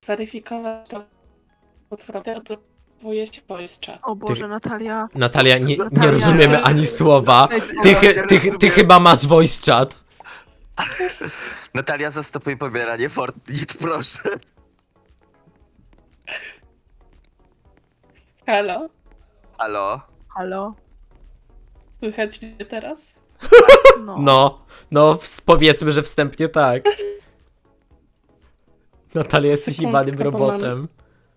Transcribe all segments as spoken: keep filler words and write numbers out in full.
zweryfikować to potwórkę, odblokowuje się voice chat. O Boże, Ty- Natalia. Natalia, nie, nie Natalia. rozumiemy ani słowa. Ej, Ty, o, chy- ja ty, ty rozumiem. chyba masz voice chat. Natalia, zastopuj pobieranie Fortnite, proszę. Halo? Halo? Halo? Słychać mnie teraz? No. No, no ws- powiedzmy, że wstępnie tak. Natalia, jesteś Sekundkę, jebanym bo robotem.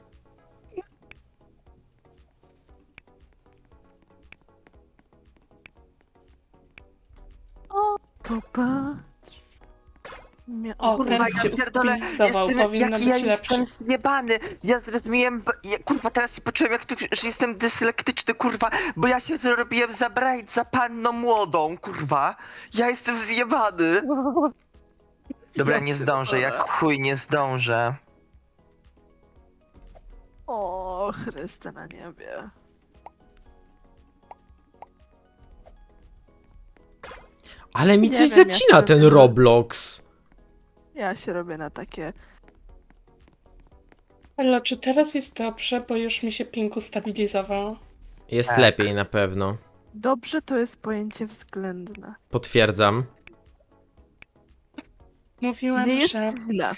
O, popatrz. Mia- O, kurwa, teraz ja się pierdolę, ustabilizował, jestem- powinno jaki być ja lepszy. jestem zjebany. Ja zrozumiałem, bo- ja, kurwa, teraz się poczułem jak tu, że jestem dyslektyczny, kurwa, bo ja się zrobiłem zabrać za panną młodą, kurwa. Ja jestem zjebany. Dobra, Ja nie zdążę, pierdolę. jak chuj nie zdążę. O, Chryste na niebie. Ale mi Nie coś wiem, ja zacina się ten robię na- Roblox. Ja się robię na takie... Ale czy teraz jest dobrze, bo już mi się ping ustabilizował? Jest Tak. lepiej na pewno. Dobrze to jest pojęcie względne. Potwierdzam. Mówiłam, Nie jest że źle.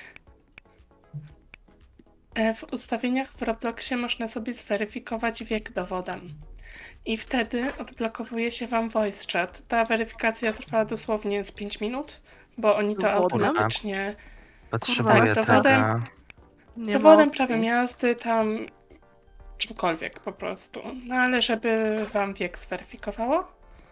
e, w ustawieniach w Robloxie można sobie zweryfikować wiek dowodem. I wtedy odblokowuje się wam voice chat. Ta weryfikacja trwa dosłownie z pięć minut, bo oni to Dowodem? automatycznie... Potrzebuję Tak, tego. dowodem- Nie Dowodem ma prawa opcji. jazdy, tam czymkolwiek po prostu. No ale żeby wam wiek zweryfikowało.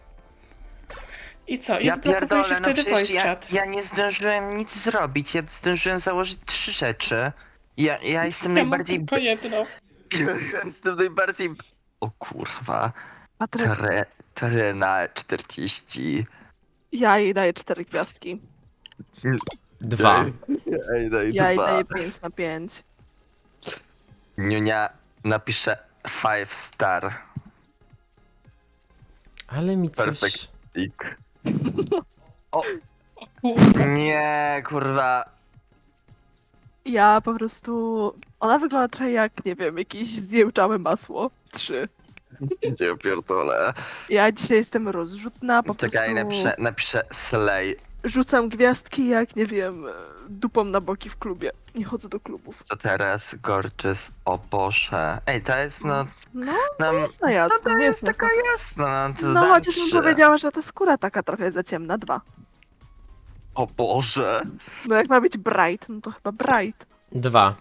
I co? I Ja odblokowuje się pierdolę, no wtedy przecież voice ja, chat. ja nie zdążyłem nic zrobić, ja zdążyłem założyć trzy rzeczy. Ja, ja jestem Ja mam najbardziej... tylko jedno. Ja jestem najbardziej... O kurwa. Patryk, Tre, terena czterdzieści. ja jej daję cztery gwiazdki. Dwa. Ej, daj Ja jej dwa. daję pięć na pięć. Niunia napisze five star. Ale mi coś... Perfekt. Ik. Kurwa. Nie, kurwa. Ja po prostu... Ona wygląda trochę jak, nie wiem, jakieś zjełczałe masło. Trzy. Gdzie pierdolę. Ja dzisiaj jestem rozrzutna, po Czekaj, prostu napiszę, napiszę slay. rzucam gwiazdki jak, nie wiem, dupą na boki w klubie. Nie chodzę do klubów. Co teraz? Gorczys, o Boże. Ej, to jest no... No, no jasna, jasna. no to jest jasna. taka jasna, no to No dam chociaż bym trzy. powiedziała, że ta skóra taka trochę za ciemna. Dwa. O Boże. No jak ma być bright, no to chyba bright. Dwa.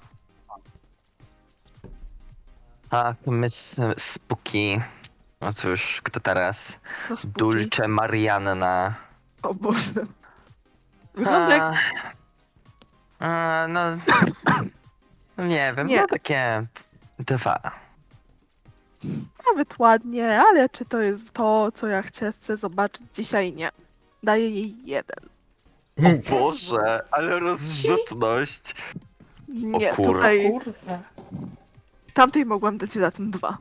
A, myśl, Spooky. No cóż, kto teraz? Co spóki? Dulce Marianna. O Boże. Wygląda jak... A, a, no... no nie wiem, Nie. no takie... Dwa. Nawet ładnie, ale czy to jest to, co ja chcę, chcę zobaczyć dzisiaj? Nie. Daję jej jeden. O Boże, ale rozrzutność. Nie, kurwa. tutaj Kurwa. tamtej mogłam dać za tym dwa.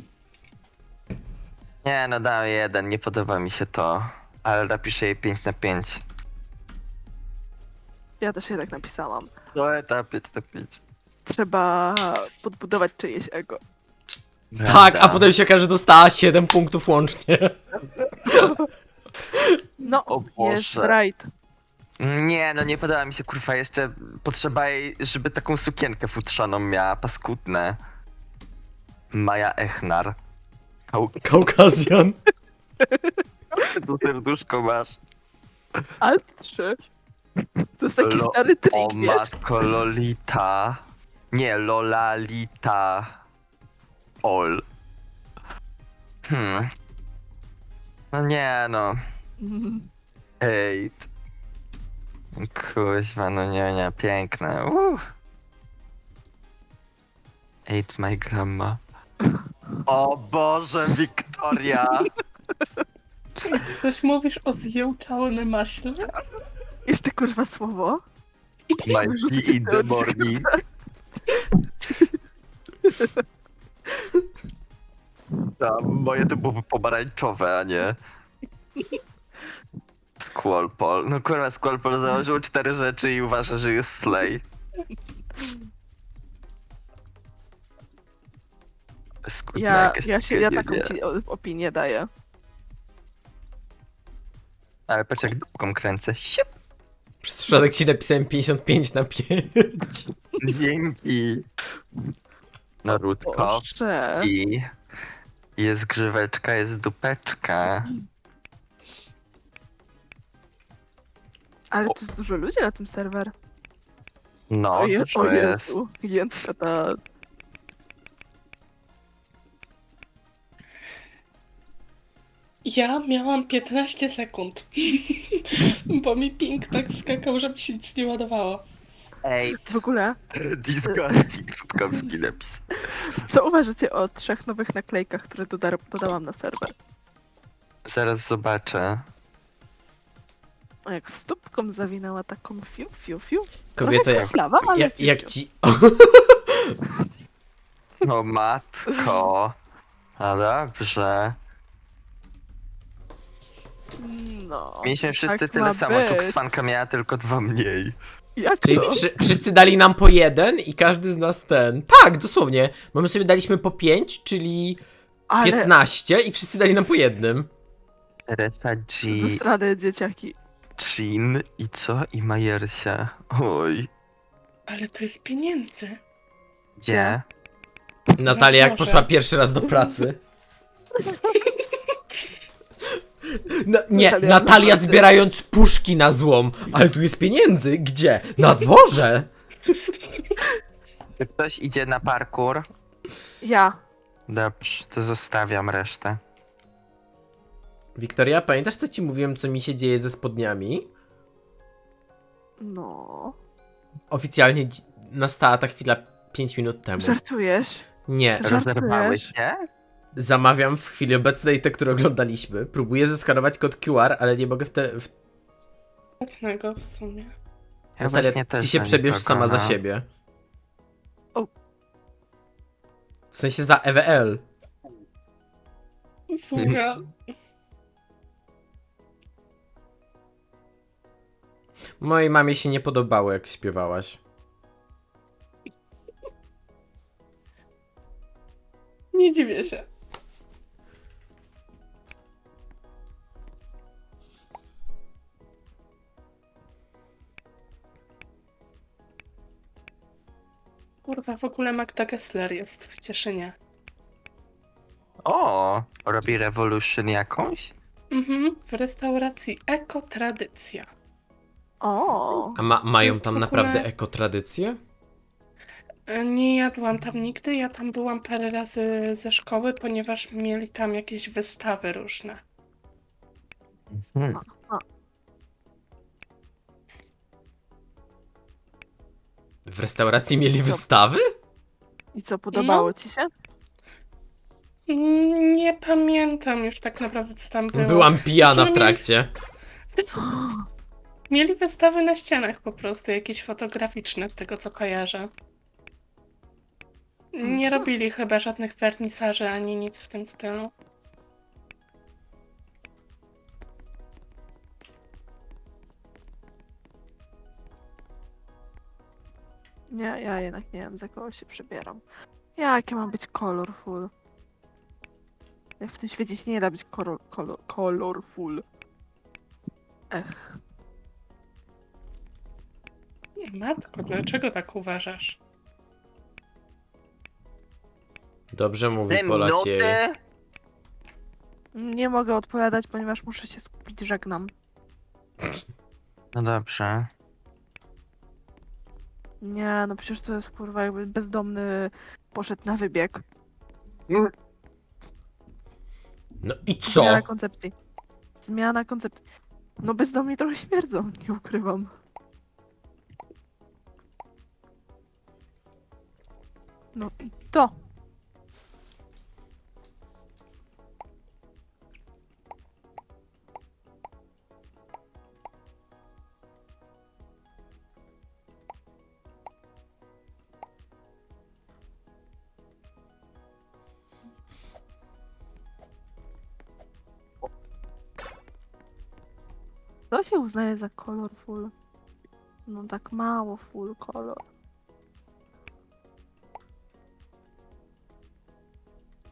Nie, no dam jeden, nie podoba mi się to. Ale napiszę jej pięć na pięć. Ja też je tak napisałam. No etap pięć na pięć. Trzeba podbudować czyjeś ego. Tak, a potem się okaże, że dostała siedem punktów łącznie. No, O jest Boże. bright. Nie, no nie podoba mi się, kurwa, jeszcze potrzeba jej, żeby taką sukienkę futrzaną miała, paskudne. Maja Echnar. Kał... Kaukazjan. To serduszko masz. Alt trzy. To jest taki Lo- stary O trik, wiesz? matko, Lolita. Nie, Lolalita. Ol. Hmm. No nie, no. Mm. Hejt. Kuźwa, no nie, nie, piękne. Uh. Ate my grandma. O Boże, Wiktoria! Coś mówisz o zjełczałym maśle? Jeszcze kurwa słowo. My Wyrzucę tea in cię the od morning. Tam, moje to byłoby pomarańczowe, a nie. Squallpol. No kurwa, Squallpol założył cztery rzeczy i uważa, że jest slay. Skutna Ja, jakaś ja, się, ja tragedia. taką ci o- opinię daję. Ale patrz jak dupką kręcę. Siup. Przez przypadek ci napisałem pięćdziesiąt pięć na pięć. Dzięki. Narutko. Boże. I jest grzyweczka, jest dupeczka. Ale to jest dużo ludzi na tym serwer. No, o, je, dużo o jest. Jezu. Jędrka ta... Ja miałam piętnaście sekund, bo mi ping tak skakał, żeby się nic nie ładowało. Ej, W ogóle, disgusting, Rutkowski napis. co uważacie o trzech nowych naklejkach, które doda dodałam na serwer? Zaraz zobaczę. O, jak stópką zawinęła taką fiu, fiu, fiu. Kobieto, Trochę jak, koślawa, ale jak, fiu, jak fiu. ci... No matko. No dobrze. No. Mieliśmy wszyscy tak tyle ma samo. być. Czukswanka miała tylko dwa mniej. Jak Czyli to? wszy wszyscy dali nam po jeden i każdy z nas ten... Tak, dosłownie. Bo my sobie daliśmy po pięć, czyli Ale piętnaście i wszyscy dali nam po jednym. Reta G, ze strony dzieciaki. Chin i co? I Majersia. Oj. Ale to jest pieniędzy. Gdzie? Natalia jak Boże. poszła pierwszy raz do pracy. No, nie, Natalia Natalia do pracy. zbierając puszki na złom. Ale tu jest pieniędzy. Gdzie? Na dworze. Czy ktoś idzie na parkour? Ja. Dobrze, to zostawiam resztę. Wiktoria, pamiętasz co ci mówiłem, co mi się dzieje ze spodniami? No. Oficjalnie dzi- nastała ta chwila pięć minut temu. Żartujesz? Nie, Żartujesz? Rozerwałeś się? zamawiam w chwili obecnej te, które oglądaliśmy. Próbuję zeskanować kod Q R, ale nie mogę w te... W... Żadnego w sumie. Ja Natalia, właśnie też ty się za przebierz nikogo, sama za no. siebie. O. W sensie za E W L. Słucham. Mojej mamie się nie podobało, jak śpiewałaś. Nie dziwię się. Kurwa, w ogóle Magda Gessler jest w Cieszynie. O, robi Revolution jakąś? Mhm, w restauracji Ekotradycja. O. A ma, mają jest tam w ogóle- naprawdę ekotradycję? E, Nie jadłam tam nigdy, ja tam byłam parę razy ze szkoły, ponieważ mieli tam jakieś wystawy różne. Hmm. W restauracji mieli wystawy? I co, podobało No. ci się? Mm, Nie pamiętam już tak naprawdę, co tam było. Byłam pijana w Znaczy, no mieli- trakcie. Mieli wystawy na ścianach po prostu, jakieś fotograficzne, z tego co kojarzę. Nie robili chyba żadnych wernisaży ani nic w tym stylu. Nie, ja jednak nie wiem, za kogo się przebieram. Jakie mam być colorful? Jak w tym świecie się nie da być kolor, kolor, colorful. Ech. Matko, dlaczego tak uważasz? Dobrze mówi Te Polaciej. minuty? Nie mogę odpowiadać, ponieważ muszę się skupić, żegnam. No dobrze. Nie, no przecież to jest kurwa jakby bezdomny poszedł na wybieg. No i co? Zmiana koncepcji. Zmiana koncepcji. No bezdomni trochę śmierdzą, nie ukrywam. No i to. To się uznaje za colorful. No tak mało full color.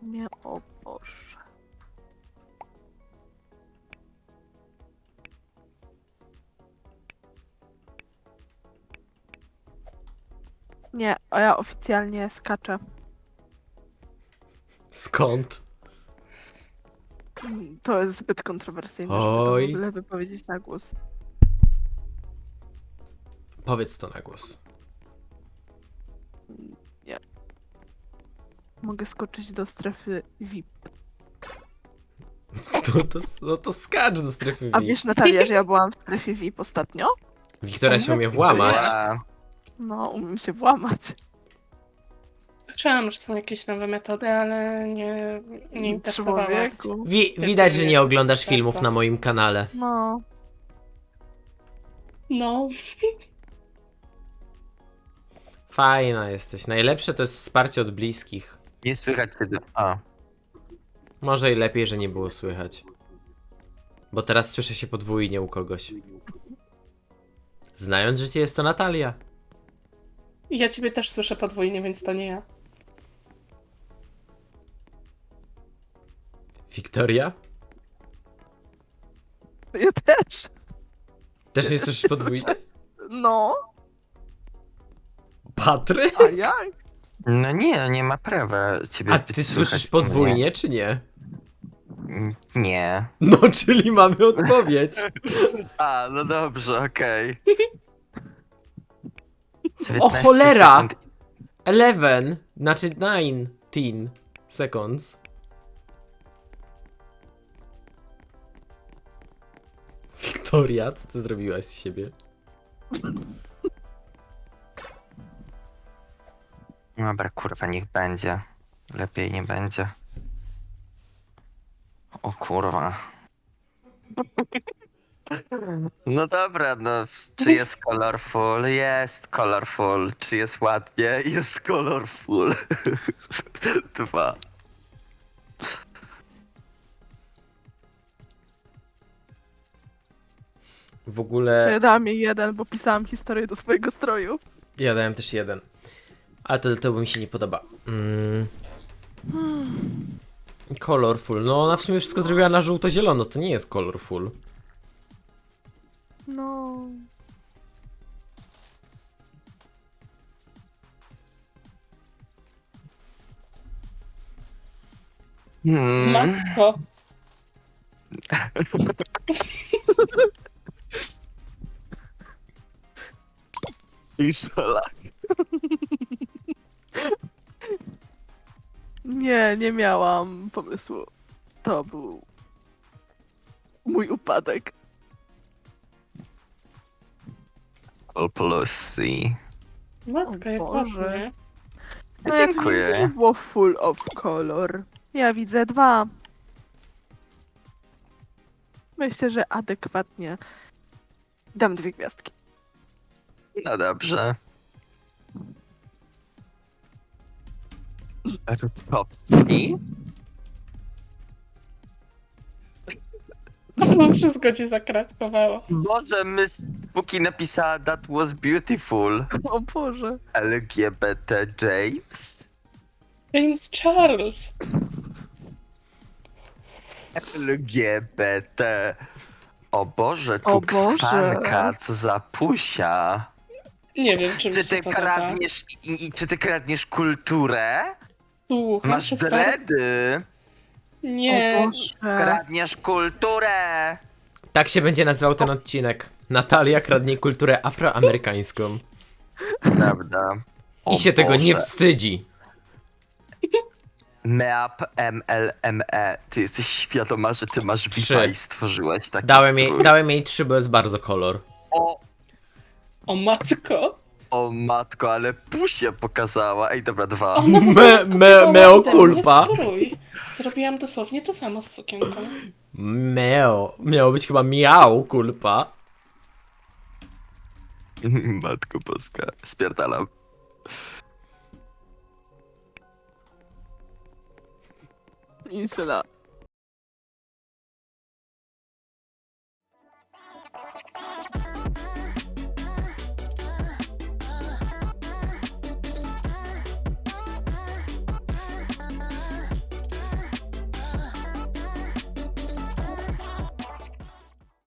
imię, o Boże. Nie, a ja oficjalnie skaczę. Skąd? Mm, To jest zbyt kontrowersyjne, żeby to w Oj. ogóle wypowiedzieć na głos. Powiedz to na głos. Mogę skoczyć do strefy V I P. To, to, no to skacz do strefy A V I P. wiesz, Natalia, że ja byłam w strefie V I P ostatnio? Wiktoria się umie włamać. Ja. No, umiem się włamać. Słyszałam, że są jakieś nowe metody, ale nie, nie interesowała mnie. Człowieku. Wi Ty widać, że wie- nie oglądasz bardzo. filmów na moim kanale. No, No, Fajna jesteś. Najlepsze to jest wsparcie od bliskich. Nie słychać kiedy... A. Może i lepiej, że nie było słychać. Bo teraz słyszę się podwójnie u kogoś. Znając życie, jest to Natalia. ja ciebie też słyszę podwójnie, więc to nie ja. Wiktoria? ja też. Też mnie słyszysz podwójnie? No, Patry? a jak? No nie, nie ma prawa ciebie A być ty słychać słyszysz u podwójnie, czy nie? mnie. Nie. No, czyli mamy odpowiedź. A, no dobrze, okej. O dziewiętnaście cholera! sekund. Eleven, znaczy nineteen seconds. Wiktoria, co ty zrobiłaś z siebie? Dobra, kurwa, niech będzie. Lepiej nie będzie. O kurwa. No dobra, no, czy jest colorful? Jest colorful. Czy jest ładnie? Jest colorful. Dwa. W ogóle Ja dałam jej jeden, bo pisałam historię do swojego stroju. ja dałem też jeden. Ale to dlatego mi się nie podoba. Mm. Colorful. No ona w sumie wszystko zrobiła na żółto-zielono. To nie jest colorful. No. Hmm. Matko, Isola. Nie, nie miałam pomysłu. To był mój upadek. Plusy. matko, jak Boże. ładnie. No ja tu nie Dziękuję. widzę, że było full of color. Ja widzę dwa. Myślę, że adekwatnie dam dwie gwiazdki. No dobrze. Rutkowski? No wszystko ci zakratkowało. Boże, my póki napisała That was beautiful. O Boże. L G B T James? James Charles. L G B T. O Boże, O Boże. tuksfanka, co za pusia. Nie wiem, czy mi Czy się ty podoba. kradniesz, i, i, czy ty kradniesz kulturę? Słucham, Masz przez parę- dredy. Nie, O Boże. Kradniesz kulturę. Tak się będzie nazywał ten odcinek. Natalia kradnie kulturę afroamerykańską. Prawda. O I się tego nie Boże. wstydzi. Meap M L M E. Ty jesteś świadoma, że ty masz Trzy. V I P i stworzyłeś taki Dałem jej, strój. dałem jej trzy, bo jest bardzo kolor. O, o matko. o matko, ale pusie pokazała. Ej, dobra, dwa. O, no, Me- me- meo culpa. Strój. Zrobiłam dosłownie to samo z sukienką. Meo. Miało być chyba miał, kulpa. Matko boska. Spierdalam. Inshallah.